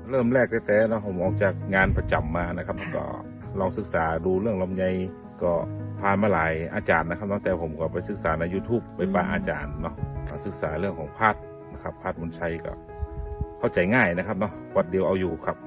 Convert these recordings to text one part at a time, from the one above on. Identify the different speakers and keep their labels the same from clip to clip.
Speaker 1: เริ่มแรกแต่ๆนะผมออกจากงานประจำมานะครับแล้วก็ลองศึกษาดูเรื่องลำไยก็ผ่านมาหลายอาจารย์นะครับตั้งแต่ผมก็ไปศึกษาใน YouTube ไปปะอาจารย์เนาะศึกษาเรื่องของพัดนะครับพัดมนชัยก็เข้าใจง่ายนะครับเนาะวัดเดียวเอาอยู่ครับ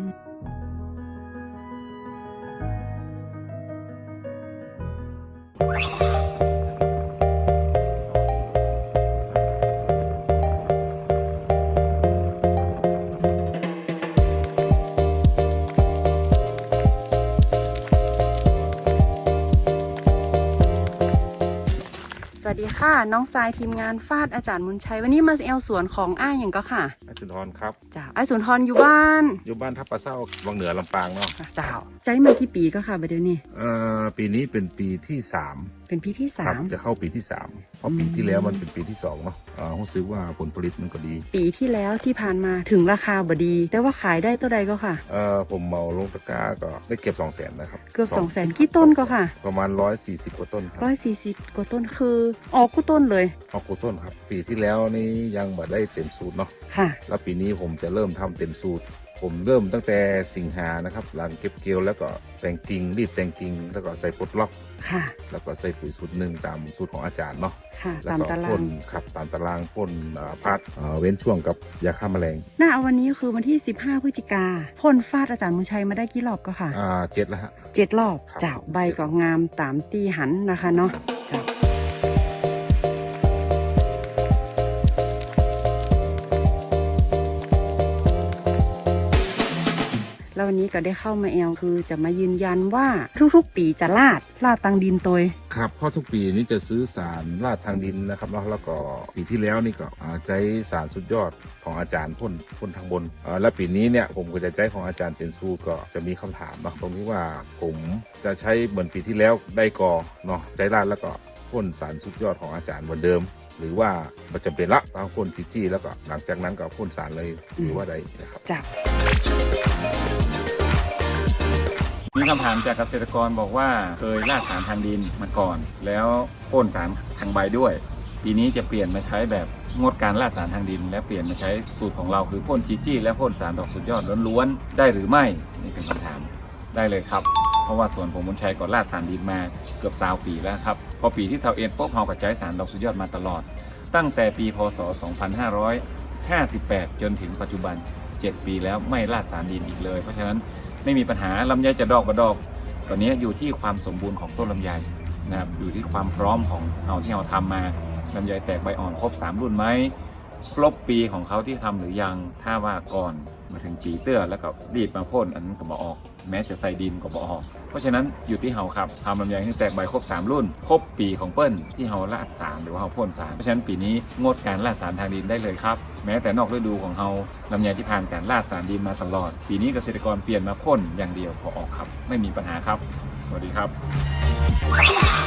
Speaker 2: สวัสดีค่ะน้องทรายทีมงานฟาดอาจารย์มุนชัยวันนี้มาแอลสวนของอ้ายอย่างก็ค่ะ
Speaker 1: อาสุนทรครับ
Speaker 2: จ้าอ้ายสุนทรอยู่บ้าน
Speaker 1: ทับปลาเศร้าวังเหนือลำปางเนาะ
Speaker 2: จ้าใจมากี่ปีก็ค่ะประเดี๋ยวนี้
Speaker 1: ปีนี้เป็นปีที่3
Speaker 2: เป็นปีที่3
Speaker 1: จะเข้าปีที่3เพราะปีที่แล้วมันเป็นปีที่2เนาะรู้สึกว่าผลผลิตมันก็ดี
Speaker 2: ปีที่แล้วที่ผ่านมาถึงราคาบดีแต่ว่าขายได้ตัวใดก็ค่ะ
Speaker 1: ผมเมาลงตะกร้าก็ได้เก็บ200,000นะครับ
Speaker 2: เกือบ200,000กี่ต้นก็ค่ะ
Speaker 1: ประมาณ140กว่าต้นครับ
Speaker 2: 140กว่าต้นคือออกกู้ต้นเลย
Speaker 1: ออกกู้ต้นครับปีที่แล้วนี่ยังไม่ได้เต็มสูตรเนาะ
Speaker 2: ค่ะ
Speaker 1: แล้วปีนี้ผมจะเริ่มทำเต็มสูตรผมเริ่มตั้งแต่สิงหานะครับหลังเก็บเกี่ยวแล้วก็แต่งกิ่งรีดแต่งกิ่งแล้วก็ใส่ปลดล็อก
Speaker 2: ค่ะ
Speaker 1: แล้วก็ใส่ปุ๋ยสูตร1ตามสูตรของอาจารย์เนาะ
Speaker 2: ค่ะ
Speaker 1: ตามตารางครับตามตารางพ่นพัดเว้นช่วงกับยาฆ่าแมลง
Speaker 2: หน้าวันนี้คือวันที่15พฤศจิกาพ่นฟาดอาจารย์มุนชัยมาได้กี่รอบก็ค่ะ
Speaker 1: 7แล้วฮะ
Speaker 2: 7รอบเจ้าใบก็งามตามตีหันนะคะเนาะเจ้าแล้ววันนี้ก็ได้เข้ามาแอลคือจะมายืนยันว่าทุกๆปีจะลาดตังดินตัว
Speaker 1: ครับเพราะทุกปีนี้จะซื้อสารลาดทางดินนะครับแล้วก็ปีที่แล้วนี่ก็ใช้สารสุดยอดของอาจารย์พ่นทางบนและปีนี้เนี่ยผมก็จะใช้ของอาจารย์เต็นซูก็จะมีคำถามนะตรงนี้ว่าผมจะใช้เหมือนปีที่แล้วได้กอเนาะใช้ลาดแล้วก็พ่นสารสุดยอดของอาจารย์เหมือนเดิมหรือว่ามันจำเป็นละต้องพ่นจี้แล้วก็หลังจากนั้นก็พ่นสารเลยหรือว่าใดนะครับ
Speaker 2: จ้ะ
Speaker 3: มีคำถามจากเกษตรกรบอกว่าเคยราดสารทางดินมาก่อนแล้วพ่นสารทางใบด้วยปีนี้จะเปลี่ยนมาใช้แบบงดการราดสารทางดินและเปลี่ยนมาใช้สูตรของเราคือพ่นจี้และพ่นสารดอกสุดยอดล้วนๆได้หรือไม่นี่เป็นคำถามได้เลยครับเพราะว่าสวนผมมุนชัยก็ราดสารดินมาเกือบ20 ปีแล้วครับพอปีที่21ปุ๊บเราก็ใช้สารดอกสุดยอดมาตลอดตั้งแต่ปีพศ2558จนถึงปัจจุบัน7 ปีแล้วไม่ราดสารดินอีกเลยเพราะฉะนั้นไม่มีปัญหาลำไยจะดอกกระดอกตอนนี้อยู่ที่ความสมบูรณ์ของต้นลำไยนะครับอยู่ที่ความพร้อมของเราที่เราทำมาลำไยแตกใบอ่อนครบ3 รุ่นไหมครบปีของเขาที่ทำหรือยังถ้าว่าก่อนมาถึงปีเตื้อแล้วก็รีบมาพ่นอันนั้นก็บอกออกแม้จะใส่ดินก็บอกออกเพราะฉะนั้นอยู่ที่เราครับทำลำไยให้แตกใบครบ3 รุ่นครบปีของเปิ้ลที่เราราดสารหรือว่าเราพ่นสารเพราะฉะนั้นปีนี้งดการราดสารทางดินได้เลยครับแม้แต่นอกฤดูของเราลำไยที่ผ่านการราดสารดินมาตลอดปีนี้เกษตรกรเปลี่ยนมาพ่นอย่างเดียวพอออกครับไม่มีปัญหาครับสวัสดีครับ